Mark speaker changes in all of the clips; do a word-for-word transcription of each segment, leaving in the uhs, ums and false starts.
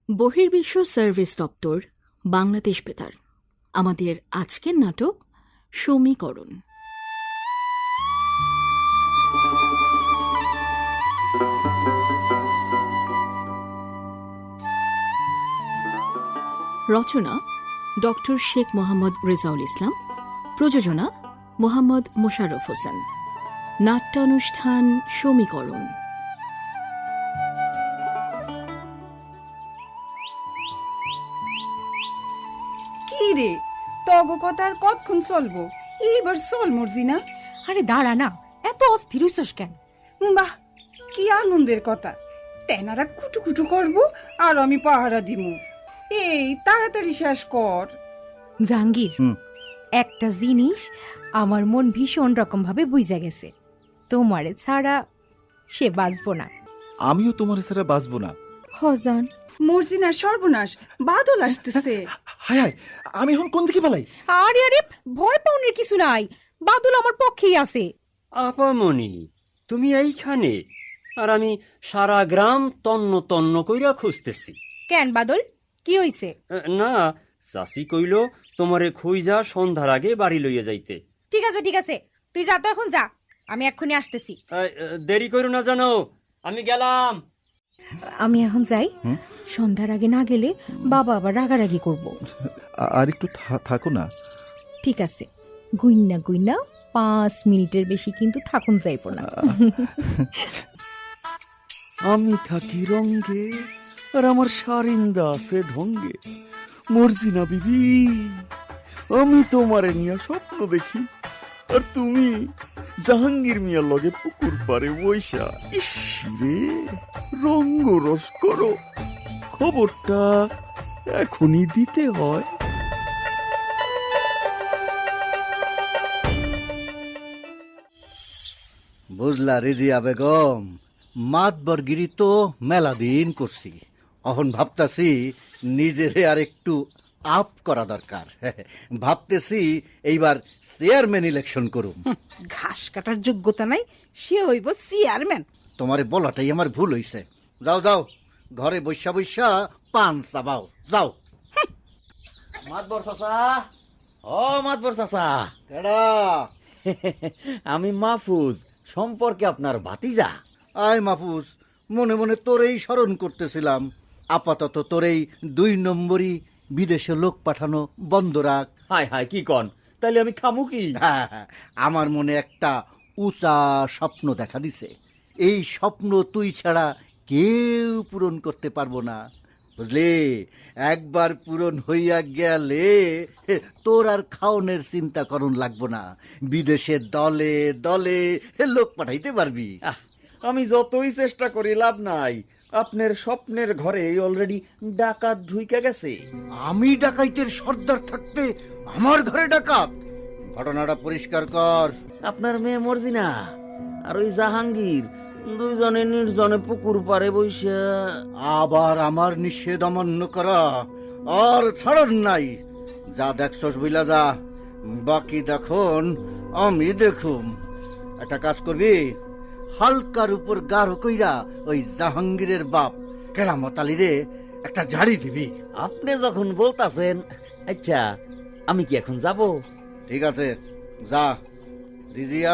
Speaker 1: বহির্বিশ্ব service দপ্তর, বাংলাদেশ বেতার। আমাদের আজকের নাটক সমীকরণ। রচনা ডক্টর শেখ মোহাম্মদ রেজাউল ইসলাম। প্রযোজনা মোহাম্মদ মোশাররফ হোসেন। নাট্যানুষ্ঠান সমীকরণ।
Speaker 2: কি রে, তগ কথা আর কতক্ষণ চলবো? এইবার চল মর্জি না।
Speaker 3: আরে দাঁড়া না, এত অস্থির হইছস কেন?
Speaker 2: বাহ, কি আনন্দের কথা! তেনারা কুটু কুটু করবো আর আমি পাহারা দিমু। এই তাড়াতাড়ি শেষ কর।
Speaker 3: জাহাঙ্গীর, একটা জিনিস আমার মন ভীষণ রকম ভাবে বুঝা গেছে, তোমারে ছাড়া সে বাঁচবো না।
Speaker 4: আমিও তোমার ছাড়া বাঁচবো না।
Speaker 3: হজন
Speaker 2: মর্জিনার সর্বনাশ, বাদল আসতেছে।
Speaker 4: হায় হায়, আমি এখন কোন দিকে পালাই?
Speaker 3: আরে আরে, ভয় পাওয়ার কিছু নাই, বাদল আমার পক্ষেই আছে।
Speaker 5: আপামনি, তুমি এইখানে, আর আমি সারা গ্রাম তন্ন তন্ন কইরা খুঁজতেছি।
Speaker 3: কেন বাদল, কি হইছে?
Speaker 5: না, চাষি কইল তোমারে খুঁজা সন্ধ্যার আগে বাড়ি লইয়া যাইতে।
Speaker 3: ঠিক আছে ঠিক আছে, তুই যা তো, এখন যা, আমি এক্ষুনি আসতেছি।
Speaker 5: দেরি করো না জানো, আমি গেলাম।
Speaker 3: আমি এখন যাই, সন্ধ্যার আগে না গেলে বাবা আবার রাগারাগি করব।
Speaker 4: আর একটু থাকো না।
Speaker 3: ঠিক আছে, গুইনা গুইনা পাঁচ মিনিটের বেশি কিন্তু থাকুন যাইব না।
Speaker 6: আমি থাকি রঙ্গে আর আমার সারিন্দা আছে ঢঙ্গে। মর্জিনা বিবি, আমি তোমারে নিয়ে স্বপ্ন দেখি, আর তুমি জাহাঙ্গীর মিয়ার লগে পুকুর পারে বৈশা ইসরে রঙ্গ রস করো। খবরটা এখনই দিতে হয়।
Speaker 7: বুঝলা রিজিয়া বেগম, মাতবরগিরি তো মেলা দিন করছি, এখন ভাবতাছি নিজেরে আর একটু আপ করা দরকার। ভাবতেছি এইবার চেয়ারম্যান ইলেকশন করুম।
Speaker 2: ঘাস কাটার যোগ্যতা নাই, সে হইব চেয়ারম্যান।
Speaker 7: তোমারে বলাটাই আমার ভুল হইছে। যাও যাও, ঘরে বৈশা বৈশা পান চাবাও, যাও।
Speaker 6: মাতবর চাচা, ও মাতবর চাচা।
Speaker 7: কেডা?
Speaker 6: আমি মাহফুজ, সম্পর্কে আপনার ভাতিজা।
Speaker 7: আয় মাহফুজ, মনে মনে তোরেই স্মরণ করতেছিলাম। আপাতত তোরেই দুই নম্বরই বিদেশে লোক পাঠানো বন্ধ রাখ।
Speaker 6: হায় হায়, কি কন? তাইলে আমি খামু কি?
Speaker 7: হ্যাঁ হ্যাঁ, আমার মনে একটা উঁচা স্বপ্ন দেখা দিছে। এই স্বপ্ন তুই ছাড়া কেউ পূরণ করতে পারবো না, বুঝলি? একবার পূরণ হইয়া গেলে তোর আর খাওনের চিন্তা করণ লাগবো না। বিদেশে দলে দলে লোক পাঠাইতে পারবি।
Speaker 6: আহ, আমি যতই চেষ্টা করি লাভ নাই। আপনার স্বপ্নের ঘরে অলরেডি ডাকাত ঢুইকা গেছে।
Speaker 7: আমি ডাকাইতের সর্দার থাকতে আমার ঘরে ডাকাত? ঘটনাটা পরিষ্কার কর।
Speaker 6: আপনার মেয়ে মর্জিনা আর ওই জাহাঙ্গীর দুইজনে নির্জনে পুকুর পারে বইসা।
Speaker 7: আবার আমার নিষেধ অমান্য করা আর ছাড়ন নাই। যা দেখছস বইলা যা, বাকি দেখুন আমি দেখুম। একটা কাজ করবি, হালকার উপর গাঢ় কইরা ওই জাহাঙ্গীরের বাপ কেরামত আলীরে একটা ঝাড়ি দিবি।
Speaker 6: আপনি যখন বলতাছেন, আচ্ছা আমি কি এখন যাব?
Speaker 7: ঠিক আছে, যা। রিজিয়া,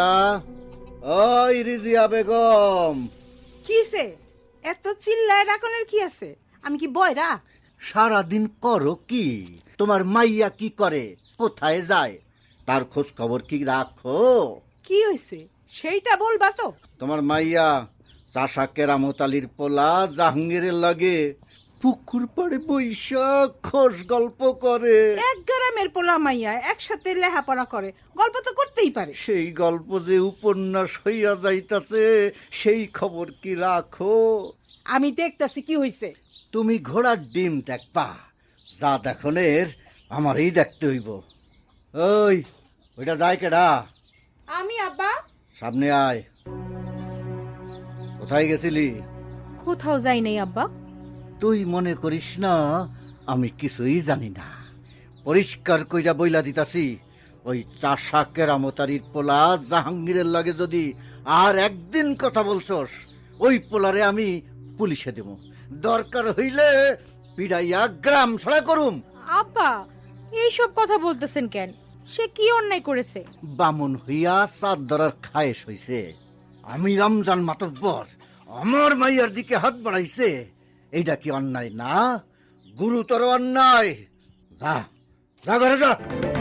Speaker 7: ওই রিজিয়া বেগম।
Speaker 2: কিসে এত চিল্লায় ডাকনের কি আছে? আমি কি বয়রা?
Speaker 7: সারাদিন করো কি? তোমার মাইয়া কি করে, কোথায় যায়, তার খোঁজ খবর কি রাখো?
Speaker 2: কি হয়েছে সেইটা বলবা তো।
Speaker 7: তোমার মাইয়া চাষা কেরামত আলীর পোলা জাহাঙ্গীরের লাগে পুকুর পাড়ে বৈশাখ খোশ গল্প করে।
Speaker 2: এক গ্রামের পোলা মাইয়া একসাথে লেখাপড়া করে, গল্প তো করতেই পারে।
Speaker 7: সেই গল্প যে উপন্যাস হইয়া যাইতাছে, সেই খবর কি রাখো?
Speaker 2: আমি দেখতেছি কি হইছে।
Speaker 7: তুমি ঘোড়ার ডিম দেখবা, যা দেখনের আমারই দেখতে হইব। ওই ওইটা যায় কেডা?
Speaker 3: আমি আব্বা।
Speaker 7: সামনে আয়। কোথায় গেছিলি?
Speaker 3: কোথাও যাই নাই আব্বা।
Speaker 7: তুই মনে করিস না আমি কিছুই জানি না। পরিষ্কার কইরা বইলা দিতাছি, ওই চাষা কেরামতারির পোলা জাহাঙ্গীরের লাগে যদি আর একদিন কথা বলছস, ওই পোলারে আমি পুলিশে দেব। দরকার হইলে পিড়াইয়া গ্রাম ছাড়া করুম।
Speaker 3: আব্বা এইসব কথা বলতেছেন কেন? সে কি অন্যায় করেছে?
Speaker 7: বামন হইয়া চাঁদ ধরার খায়েশ হইছে। আমি রমজান মাতব্বর আমার মাইয়ার দিকে হাত বাড়াইছে, এইটা কি অন্যায় না? গুরুতর অন্যায়। যা যা ঘরে যা।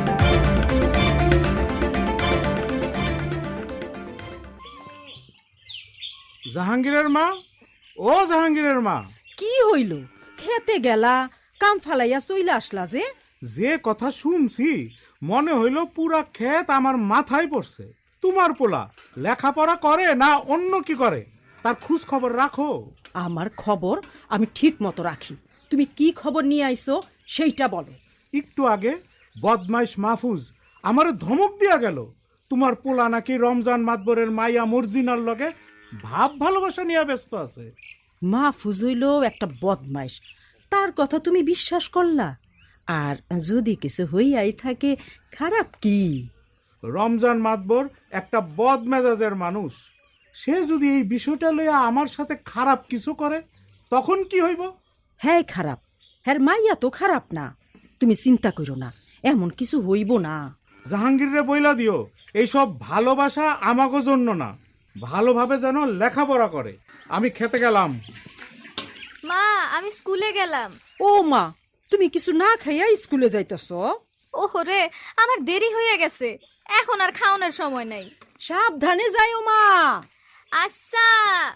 Speaker 8: জাহাঙ্গীরের মা, ও জাহাঙ্গীরের মা,
Speaker 9: কি হইল? খেতে গেলা, কাম ফালাইয়া চইলা আসলা যে?
Speaker 8: যে কথা শুনছি মনে হইল পুরা ক্ষেত আমার মাথায় পড়ছে। তোমার পোলা লেখাপড়া করে না অন্য কি করে, তার খোঁজ খবর রাখো।
Speaker 9: আমার খবর আমি ঠিক মতো রাখি। তুমি কি খবর নিয়ে আইছো সেইটা বলো।
Speaker 8: একটু আগে বদমাইশ মাহফুজ আমারে ধমক দিয়া গেল, তোমার পোলা নাকি রমজান মাতবরের মাইয়া মর্জিনার লগে ভাব ভালোবাসা নিয়ে ব্যস্ত আছে।
Speaker 9: মাহফুজ হইল একটা বদমাইশ, তার কথা তুমি বিশ্বাস করলা? আর যদি কিছু হইয়াই থাকে, খারাপ কি?
Speaker 8: রমজান মাতবর একটা বদ মেজাজের মানুষ, সে যদি এই বিষয়টা লইয়া আমার সাথে খারাপ কিছু করে তখন কি হইব?
Speaker 9: হ্যাঁ খারাপ, হ্যাঁ মাইয়া তো খারাপ না, তুমি চিন্তা করো না, এমন কিছু হইব না।
Speaker 8: জাহাঙ্গীররে বইলা দিও এইসব ভালোবাসা আমাগো জন্য না, ভালোভাবে যেন লেখাপড়া করে। আমি খেতে গেলাম।
Speaker 10: মা, আমি স্কুলে গেলাম।
Speaker 9: ও মা, তুমি কিছু না খাইয়া স্কুলে যাইতেছ?
Speaker 10: ওহো রে, আমার দেরি হয়ে গেছে, এখন আর খাওয়ানোর সময় নাই।
Speaker 9: সাবধানে যাইও মা।
Speaker 10: আচ্ছা।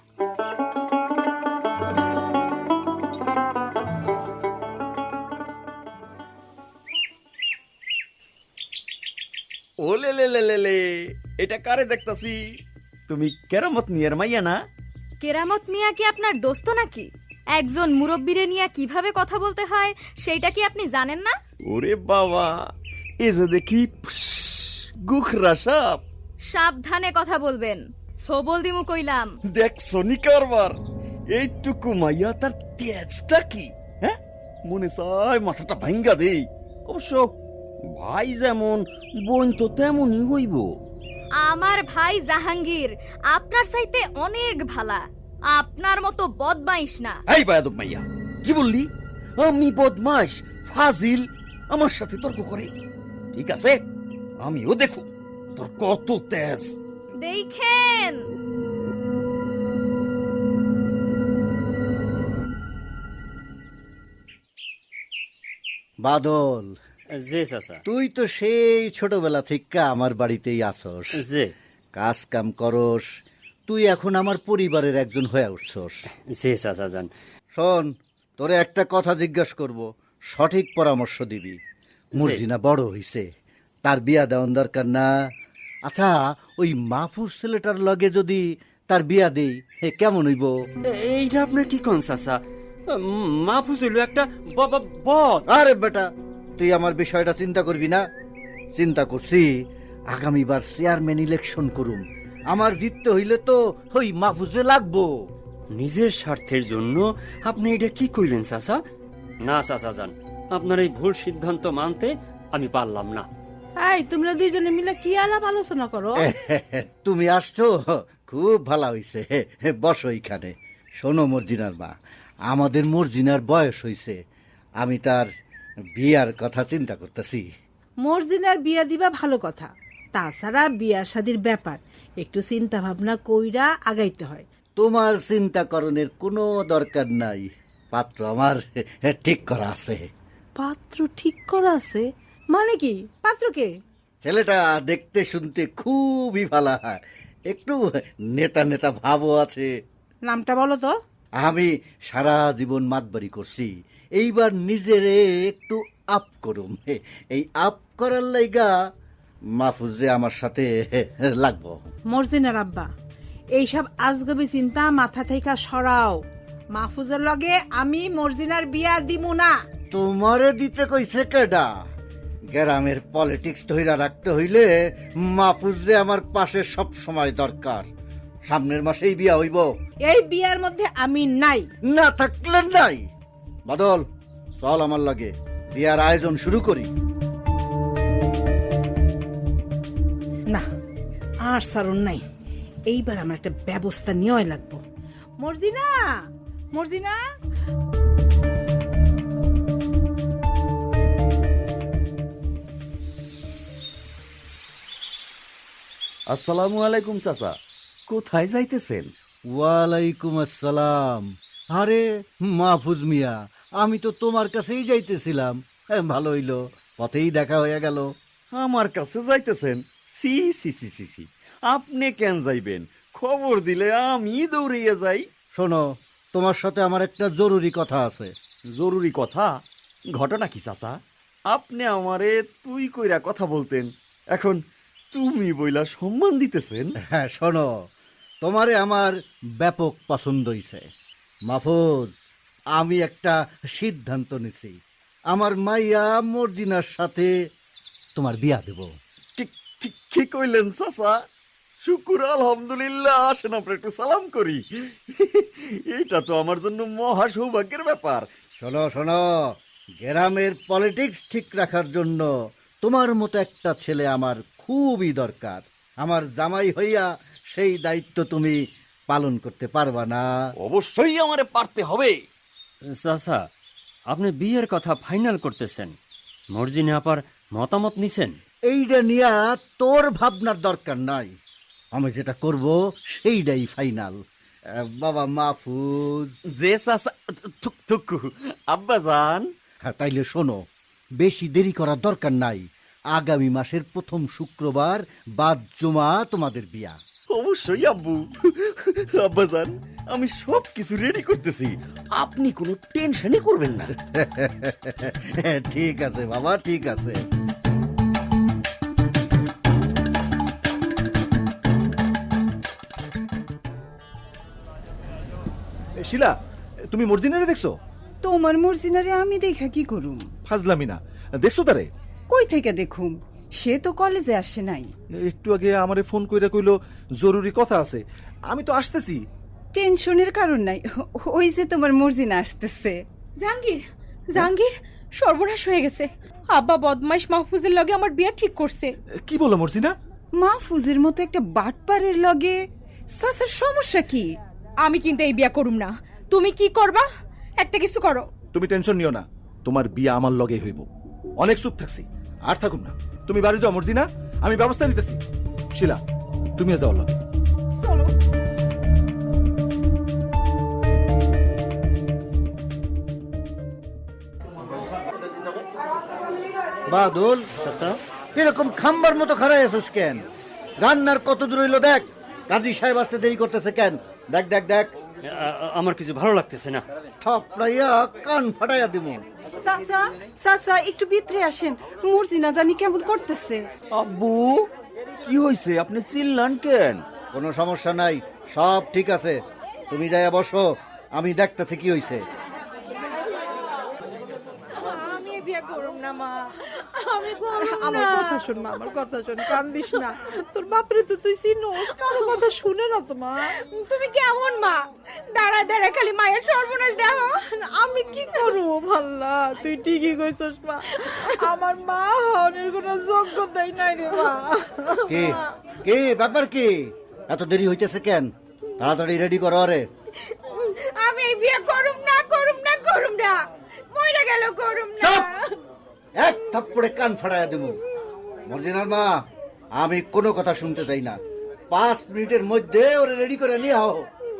Speaker 6: ও লে লে লে লে লে, এটা কারে দেখতাছি? তুমি কেরামত মিয়ার মাইয়া না?
Speaker 10: কেরামত মিয়া কি আপনার দোস্ত নাকি? একজন মুরব্বিরে নিয়ে কিভাবে কথা বলতে হয় সেইটা কি আপনি জানেন না?
Speaker 6: ওরে বাবা, এ যে দেখি গুখরা সাপ।
Speaker 10: সাবধানে কথা বলবেন, সবল দিমু কইলাম।
Speaker 6: দেখছো নি কারবার, এইটুকু মাইয়া তার তেজটা কি, হ্যাঁ? মনে চায় মাথাটা ভাঙ্গা দেই। অবশ্য ভাই যেমন বোন তো তেমনই হইব।
Speaker 10: আমার ভাই জাহাঙ্গীর আপনার চাইতে অনেক ভালা, আপনার মতো বদমাইশ না।
Speaker 6: এই বায়াদব মাইয়া, কি বললি? আমি বদমাইশ ফাজিল আমার সাথে তর্ক করে? ঠিক আছে, আমিও দেখো তোর কত তেজ।
Speaker 10: দেখেন।
Speaker 7: বাদল,
Speaker 5: জি চাচা।
Speaker 7: তুই তো সেই ছোটবেলা থেকে আমার বাড়িতেই আসস,
Speaker 5: জি
Speaker 7: কাজ কাম করস, তুই এখন আমার পরিবারের একজন হয়ে উঠছস।
Speaker 5: জি চাচা যান।
Speaker 7: শোন, তোরে একটা কথা জিজ্ঞাসা করব, সঠিক পরামর্শ দিবি। মর্জিনা বড় হইছে, তার বিয়া দেওয়ার দরকার না? আচ্ছা, ওই মাহফুজ ছেলেটার লগে যদি তার বিয়া দেই, হে কেমন হইব?
Speaker 5: এইটা আপনার কি কোন চাচা? মাহফুজ হইল একটা বাবা বদ।
Speaker 7: আরে বেটা, তুই আমার বিষয়টা চিন্তা করবি না? চিন্তা করছি, আগামীবার চেয়ারম্যান ইলেকশন করুম, আমার জিততে হইলে তো ওই মাহফুজে লাগবো।
Speaker 5: নিজের স্বার্থের জন্য আপনি এটা কি কইলেন চাচা? না চাচা যান, আপনার এই ভুল সিদ্ধান্ত মানতে আমি পারলাম না।
Speaker 9: এই তোমরা দুইজনে মিলে কি আলাপ আলোচনা করো?
Speaker 7: তুমি আসছো, খুব ভালো হইছে, বসো এইখানে। শোনো মর্জিনার মা, আমাদের মর্জিনার বয়স হইছে, আমি তার বিয়ার কথা চিন্তা করতেছি।
Speaker 9: মর্জিনার বিয়া দিবা ভালো কথা, তাছাড়া বিয়ার শাদির ব্যাপার একটু চিন্তা ভাবনা কইরা আগাইতে হয়।
Speaker 7: তোমার চিন্তা করণের কোনো দরকার নাই, পাত্র আমার ঠিক করা আছে।
Speaker 9: পাত্র ঠিক করা আছে মানে কি? পাত্রকে?
Speaker 7: ছেলেটা দেখতে শুনতে খুবই ভালো, একটু নেতা নেতা ভাবও আছে।
Speaker 9: নামটা বলো তো।
Speaker 7: আমি সারা জীবন মাতবাড়ি করছি, এইবার নিজেরে একটু আপ করুম, এই আপ করার লাইগা মাহফুজে আমার সাথে লাগবো।
Speaker 9: মর্জিনার আব্বা, এইসব আজগবি চিন্তা মাথা থেকে সরাও। মাহফুজের লগে আমি মর্জিনার বিয়া দিমু না।
Speaker 7: তোমারে দিতে কইছে কেডা? গ্রামের পলিটিক্স ধইরা রাখতে হইলে মাহফুজে আমার পাশে সব সময় দরকার। সামনের মাসেই বিয়া হইব।
Speaker 9: এই বিয়ার মধ্যে আমি নাই।
Speaker 7: না থাকলে নাই। বাদল, চল আমার লাগে, বিয়ার আয়োজন শুরু করি।
Speaker 9: না, আর সারণ নাই, এইবার আমার একটা ব্যবস্থা নেওয়াই লাগবো। মর্জিনা, মর্জিনা।
Speaker 6: আসসালামু আলাইকুম চাচা, কোথায় যাইতেছেন?
Speaker 7: ওয়ালাইকুম আসসালাম। আরে মাহফুজ মিয়া, আমি তো তোমার কাছেই যাইতেছিলাম। হ্যাঁ, ভালো হইলো, পথেই দেখা হয়ে গেল।
Speaker 6: আমার কাছে যাইতেছেন? সি সি সি সি সি, আপনি কেন যাইবেন? খবর দিলে আমি দৌড়িয়ে যাই।
Speaker 7: শোনো, তোমার সাথে আমার একটা জরুরি কথা আছে।
Speaker 6: জরুরি কথা? ঘটনা কি চাচা? আপনি আমারে তুই কইরা কথা বলতেন, এখন তুমি বইলা সম্মান দিতেছেন।
Speaker 7: হ্যাঁ শোনো, তোমারে আমার ব্যাপক পছন্দ হইছে মাহফুজ। আমি একটা সিদ্ধান্ত নিছি, আমার মাইয়া মর্জিনার সাথে তোমার বিয়া দেব।
Speaker 6: কি- কি- কি কইলেন চাচা? শুকুর আলহামদুলিল্লাহ, আসেন আমরা একটু সালাম করি। এটা তো আমার জন্য মহা সৌভাগ্যের ব্যাপার।
Speaker 7: শোনো শোনো, গ্রামের পলিটিক্স ঠিক রাখার জন্য তোমার মতো একটা ছেলে আমার খুবই দরকার। আমার জামাই হইয়া সেই দায়িত্ব তুমি পালন করতে পারবা না?
Speaker 6: অবশ্যই আমারে পারতে হবে।
Speaker 5: চাচা, আপনি বিয়ের কথা ফাইনাল করতেছেন, মর্জিনা আপার মতামত নিছেন?
Speaker 7: এইটা নিয়া তোর ভাবনার দরকার নাই, আমি যেটা করব সেইটাই ফাইনাল। বাবা মাহফুজ।
Speaker 6: যে চাচা, থুক- থুকু আব্বা জান।
Speaker 7: হ্যাঁ, তাইলে শোনো, বেশি দেরি করার দরকার নাই। আগামী মাসের প্রথম শুক্রবার বাদ জুমা তোমাদের বিয়া।
Speaker 6: অবশ্যই আব্বু। আব্বা জান, আমি সব কিছু রেডি করতেছি, আপনি কোনো টেনশনই করবেন না।
Speaker 7: ঠিক আছে বাবা, ঠিক আছে।
Speaker 4: শিলা, তুমি মর্জিনারে দেখছো?
Speaker 2: তোমার মর্জিনারে আমি দেখা কি করুম?
Speaker 4: ফাজলামি না, দেখছো তারে?
Speaker 2: কই থেকে দেখুম, সে তো কলেজে আসে নাই।
Speaker 4: একটু আগে আমারে ফোন কইরা কইলো জরুরি কথা আছে, আমি তো আসতেছি।
Speaker 2: টেনশনের কারণ নাই, ওই যে তোমার মর্জিনা আসতেছে।
Speaker 3: জাহাঙ্গীর, জাহাঙ্গীর, সর্বনাশ হয়ে গেছে। আব্বা বদমাইশ মাহফুজের লগে আমার বিয়া ঠিক করছে।
Speaker 4: কি বলো মর্জিনা?
Speaker 2: মাহফুজের মতো একটা বাটপারের লগে সাসার সমস্যা কি?
Speaker 3: আমি কিন্তু এই বিয়া করুম না। তুমি কি করবা? একটা কিছু করো।
Speaker 4: তুমি টেনশন নিও না, তোমার বিয়া আমার লগে হইব। অনেক চুপ থাকছি, আর থাকুম না। তুমি বাড়ি যাও মর্জিনা, আমি ব্যবস্থা নিতেছি। শিলা, তুমিও যাও লগে।
Speaker 3: চলো।
Speaker 7: বাদল,
Speaker 5: চাচা,
Speaker 7: এরকম খাম্বার মতো খাড়াই আছিস কেন? রান্নার কত দূর হইলো দেখ। কাজী সাহেব আসতে দেরি করতেছে কেন? দেখ দেখ দেখ।
Speaker 5: আ- আমার কিছু ভালো লাগতেছে না।
Speaker 7: থাপড়াইয়া কান ফাটাইয়া দিব।
Speaker 2: সাসা, সাসা একটু ভিতরে আসেন, মর্জিনা জানি কেমন করতেছে।
Speaker 6: আব্বু, কি হয়েছে? আপনি চিল্লান কেন?
Speaker 7: কোনো সমস্যা নাই, সব ঠিক আছে। তুমি যাইয়া বসো, আমি দেখতেছি কি হইছে।
Speaker 3: আমি এই বিয়া করুম না মা, আমি করুম না।
Speaker 9: আমার কথা শোন মা, আমার কথা শোন, কান্দিস না। তোর বাপরে তো তুই চিনোস, কারো কথা শুনে না তো মা।
Speaker 3: তুমি কেমন মা? দাঁড়া দাঁড়া খালি মায়ের সর্বনাশ দেখো।
Speaker 9: আমি কি করবো ভাল্লা, তুই ঠিকই কইছস মা। আমার মা হওয়ার কোনো যোগ্যতাই নাই রে মা।
Speaker 7: কে কে ব্যাপার কি? এত দেরি হইতেছে কেন? তাড়াতাড়ি রেডি করো। রে
Speaker 3: আমি এই বিয়া করুম না, করুম না, করুম না। মইরা গেল করুম না।
Speaker 7: চুপ! এক থাপ্পড়ে কান ফাটাইয়া দেব। মর্জিনার মা, আমি কোনো কথা শুনতে চাই না। পাঁচ মিনিটের মধ্যে ওরে রেডি করে নিয়ে আও।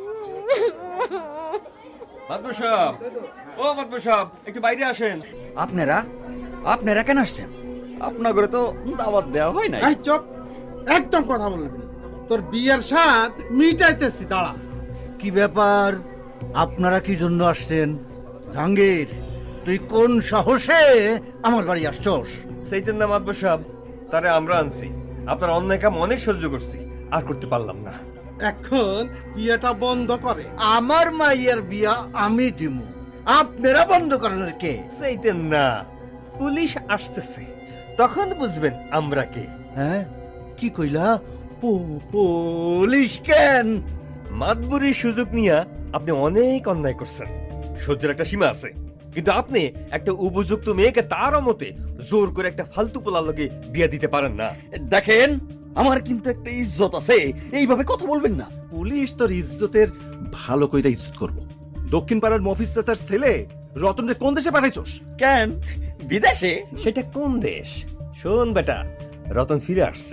Speaker 11: মাদবর সাহেব, ও মাদবর সাহেব, একটু বাইরে আসেন।
Speaker 6: আপনারা আপনারা কেন আসছেন? আপনার ঘরে তো দাওয়াত দেওয়া হয় নাই।
Speaker 8: এই চুপ, একদম কথা বলবি না। তোর বিয়ের স্বাদ মিটাইতেছি, দাঁড়া।
Speaker 7: কি ব্যাপার? আপনারা কি জন্য আসছেন? জাহাঙ্গীর, তুই কোন সাহসে আমার বাড়ি আসছস?
Speaker 11: সেইতেন না মাদবর সাহেব, তারে আমরা আনছি। আপনার অন্যায় কাম অনেক সহ্য করছি, আর করতে পারলাম না।
Speaker 8: এখন বিয়েটা বন্ধ করে।
Speaker 7: আমার মাইয়ের বিয়া আমি দিব, আপনারা বন্ধ করানোর কে?
Speaker 11: সেইতেন না, পুলিশ আসতেছে, তখন বুঝবেন আমরা কে।
Speaker 7: হ্যাঁ, কি কইলা? পো- পুলিশ কেন?
Speaker 11: মাদবুরির সুযোগ নিয়ে আপনি অনেক অন্যায় করছেন। সহ্যের একটা সীমা আছে, কিন্তু আপনি একটা উপযুক্ত মেয়েকে তার মতে জোর করে একটা ফালতু পোলার লগে বিয়া দিতে পারেন না।
Speaker 6: দেখেন, আমার কিন্তু একটা ইজ্জত আছে, এইভাবে কথা বলবেন না।
Speaker 4: পুলিশ তোর ইজ্জতের ভালো কইরা ইজ্জত করবো। দক্ষিণ পাড়ার মফিজ চাচার ছেলে রতনরে কোন দেশে পাঠাইছস?
Speaker 6: কেন বিদেশে?
Speaker 11: সেটা কোন দেশ? শোন বেটা, রতন ফিরে আসছে,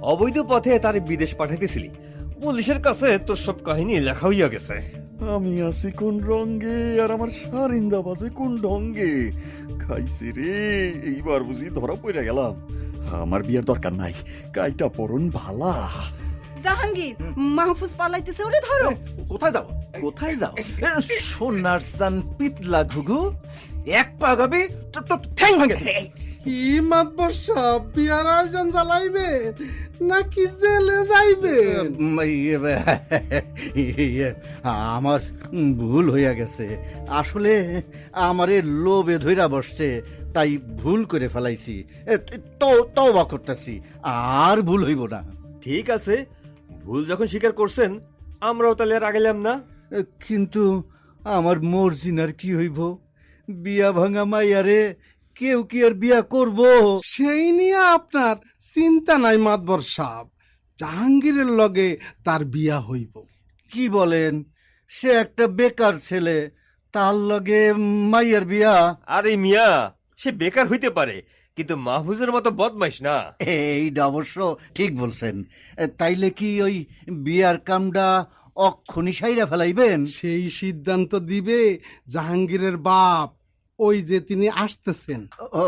Speaker 11: অবৈধ পথে তার বিদেশ পাঠাইতেছিলি। পুলিশের কাছে তোর সব কাহিনী লেখা হইয়া গেছে।
Speaker 6: আমি আছি কোন রঙ্গে আর আমার সারিন্দা বাজে কোন ঢঙ্গে। খাইছে রে, এইবার বুঝি ধরা পড়ে গেলাম। আমার বিয়ের দরকার নাই, কাইটা পরন ভালা।
Speaker 2: জাহাঙ্গীর, মাহফুজ পালাইতেছে, ওরে ধরো।
Speaker 4: কোথায় যাও কোথায় যাও সোনার সান পিতলা ঘুঘু, এক পা গাবি তো ঠ্যাং ভাঙে।
Speaker 8: কি মাতবর সাহেব বিয়ার আয়োজন চালাইবে নাকি জেলে যাইবে?
Speaker 7: উম, ইয়ে, ইয়ে, আমার ভুল হইয়া গেছে। আসলে আমারে লোভে ধইরা বসছে, তাই ভুল করে ফেলাইছি। এ, তো তওবা করতেছি, আর ভুল হইব না।
Speaker 11: ঠিক আছে, ভুল যখন স্বীকার করছেন আমরাও তাহলে আর আগেলাম না।
Speaker 7: এ, কিন্তু আমার মর্জিনার কি হইব? বিয়া ভাঙা মাইয়ারে কেউ কি আর বিয়া করব?
Speaker 8: সেই নিয়ে আপনার চিন্তা নাই মাতবর সাহেব, জাহাঙ্গীরের লগে তার বিয়া হইব।
Speaker 7: কি বলেন? সে একটা বেকার ছেলে, তার লগে মাইয়ার বিয়া?
Speaker 11: আরে মিয়া, সে বেকার হইতে পারে কিন্তু মাহফুজের মতো বদমাইশ না।
Speaker 7: এইটা অবশ্য ঠিক বলছেন। এ, তাইলে কি ওই বিয়ার কামটা অক্ষণি সাইরা ফেলাইবেন?
Speaker 8: সেই সিদ্ধান্ত দিবে জাহাঙ্গীরের বাপ, ওই যে তিনি আসতেছেন।
Speaker 7: ও,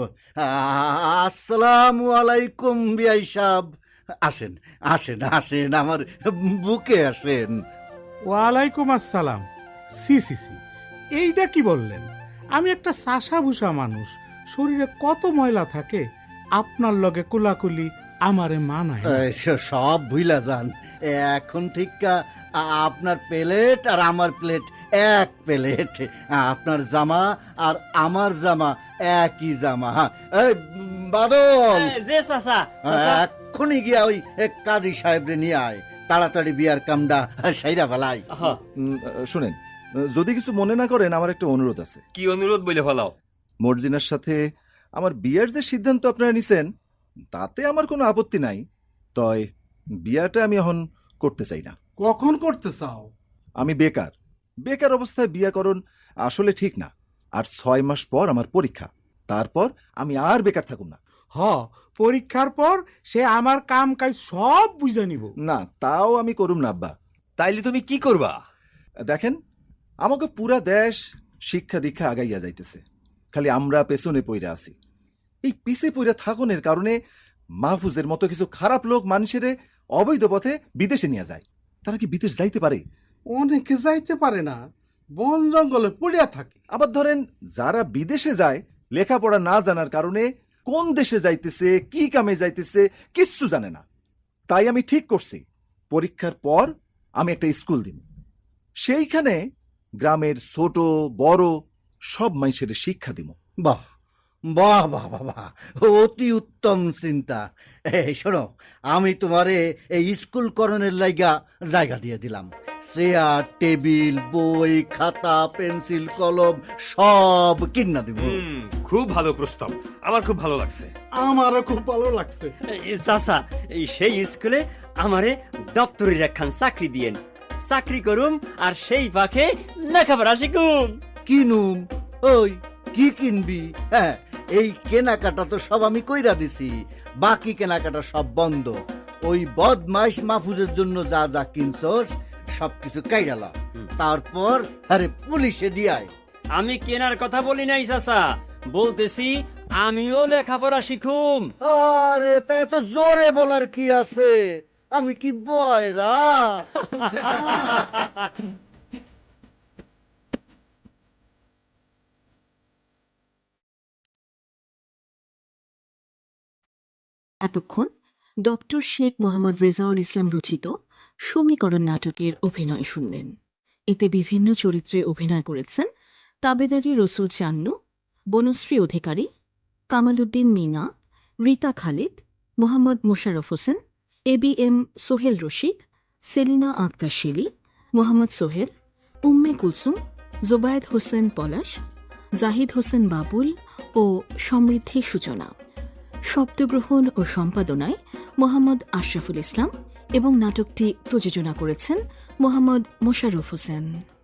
Speaker 7: আসসালামু আলাইকুম বিয়াই সাহেব। আসেন আসেন আসেন, আমার বুকে আসেন।
Speaker 8: ওয়ালাইকুম আসসালাম। সি সি সি, এইটা কি বললেন? আমি একটা সাসা ভুষা মানুষ, শরীরে কত ময়লা থাকে, আপনার লগে কুলাকুলি আমারে মানায় না।
Speaker 7: এ, স- সব ভুইলা যান। এখন ঠিক আপনার প্লেট আর আমার প্লেট এক প্লেট। আপনার জামা আর আমার জামা একই জামা। এই বাদল,
Speaker 5: যে চাচা
Speaker 7: এক্ষুনি গিয়া ওই কাজী সাহেবরে নিয়ে আয়, তাড়াতাড়ি বিয়ার কামটা সাইরা ফেলাই।
Speaker 4: উম, শুনেন, যদি কিছু মনে না করেন, আমার একটা অনুরোধ আছে।
Speaker 11: কি অনুরোধ বলে ফেলাও।
Speaker 4: মর্জিনার সাথে আমার বিয়ের যে সিদ্ধান্ত আপনারা নিছেন, তাতে আমার কোনো আপত্তি নাই। তয় বিয়াটা আমি এখন করতে চাই না।
Speaker 8: কখন করতে চাও?
Speaker 4: আমি বেকার, বেকার অবস্থায় বিয়া করণ আসলে ঠিক না। আর ছয় মাস পর আমার পরীক্ষা, তারপর আমি আর বেকার থাকুম না।
Speaker 8: হ, পরীক্ষার পর সে আমার কাম কাজ সব বুঝে নিব।
Speaker 4: না, তাও আমি করুম না আব্বা।
Speaker 11: তাইলে তুমি কি করবা?
Speaker 4: দেখেন, আমাকে পুরা দেশ শিক্ষা দীক্ষা আগাইয়া যাইতেছে, খালি আমরা পেছনে পইরা আছি। এই পিছে পইরা থাকনের কারণে মাহফুজের মতো কিছু খারাপ লোক মানুষের অবৈধ পথে বিদেশে নিয়ে যায়। তারা কি বিদেশ যাইতে পারে?
Speaker 8: অনেকে যাইতে পারে না, বন জঙ্গলে পড়িয়া থাকে।
Speaker 4: আবার ধরেন, যারা বিদেশে যায় লেখাপড়া না জানার কারণে কোন দেশে যাইতেছে, কি কামে যাইতেছে কিচ্ছু জানে না। তাই আমি ঠিক করছি, পরীক্ষার পর আমি একটা স্কুল দিব। সেইখানে গ্রামের ছোট বড় সব মানুষের শিক্ষা দিব।
Speaker 7: বাহ বাহ বাহ বাহ বাহ, অতি উত্তম চিন্তা। এই শোনো, আমি তোমারে এই স্কুল করণের লাইগা জায়গা দিয়ে দিলাম। চেয়ার টেবিল বই খাতা পেন্সিল কলম সব কিনা দিব।
Speaker 11: হুম, খুব ভালো প্রস্তাব, আমার খুব ভালো লাগছে।
Speaker 8: আমারও খুব ভালো লাগছে।
Speaker 5: চাচা, এই সেই স্কুলে আমারে দপ্তরের একখান চাকরি দিয়েন, চাকরি করুম আর সেই পাখে লেখাপড়া শিখুম।
Speaker 7: কিনুম? ওই কি কিনবি? হ্যাঁ, এই কেনাকাটা তো সব আমি কইরা দিছি, বাকি কেনাকাটা সব বন্ধ। ওই বদমাইশ মাহফুজের জন্য যা যা কিনছস সবকিছু কাইরালা, তারপর আরে পুলিশে দিয়ায়।
Speaker 5: আমি কেনার কথা বলি নাই চাচা, বলতেছি আমিও লেখাপড়া শিখুম।
Speaker 7: আরে তাই তো জোরে বলার কি আছে? আমি কি বয়রা?
Speaker 1: এতক্ষণ ডক্টর শেখ মোহাম্মদ রেজাউল ইসলাম রচিত সমীকরণ নাটকের অভিনয় শুনলেন। এতে বিভিন্ন চরিত্রে অভিনয় করেছেন Tabedari Rasul Channu, Banashree Adhikari, Kamal Uddin Mina, Rita Khalid, Mohammad Musharraf Hossain, A B M Sohel Rashid, Selina Akter Shili, Mohammad Sohel, Umme Kulsum, Zobayed Hossain Palash, Zahid Hossain Babul ও সমৃদ্ধি সূচনা। শব্দগ্রহণ ও সম্পাদনায় মোহাম্মদ আশরাফুল ইসলাম এবং নাটকটি প্রযোজনা করেছেন মোহাম্মদ মোশাররফ হোসেন।